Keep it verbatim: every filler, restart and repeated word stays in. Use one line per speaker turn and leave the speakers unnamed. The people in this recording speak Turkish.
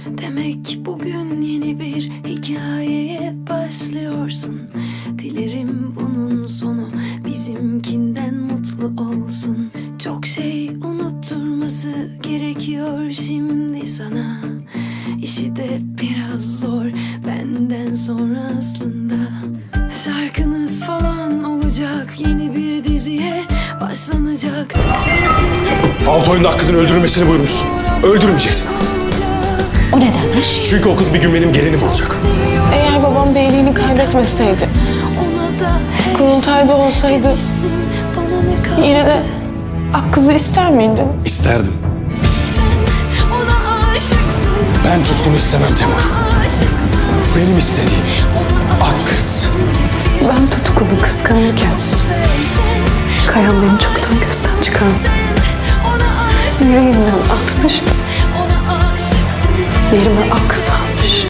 Demek bugün yeni bir hikayeye başlıyorsun. Dilerim bunun sonu bizimkinden mutlu olsun. Çok şey unutturması gerekiyor şimdi sana. İşi de biraz zor benden sonra aslında. Şarkınız falan olacak, yeni bir diziye başlanacak. Tatile
Alt oyunda kızın öldürülmesini buyurmuşsun. Öldürmeyeceksin.
O nedenmiş?
Çünkü o kız bir gün benim gelinim olacak.
Eğer babam beyliğini kaybetmeseydi, kurultayda olsaydı yine de Akkız'ı ister miydin?
İsterdim. Ben tutkunu istemem Temur. Benim istediğim Akkız.
Ben tutkunu kıskanırken Kayan beni çoktan gözden çıkardı. Yüreğimden atmıştı. Yerime Akkız almış.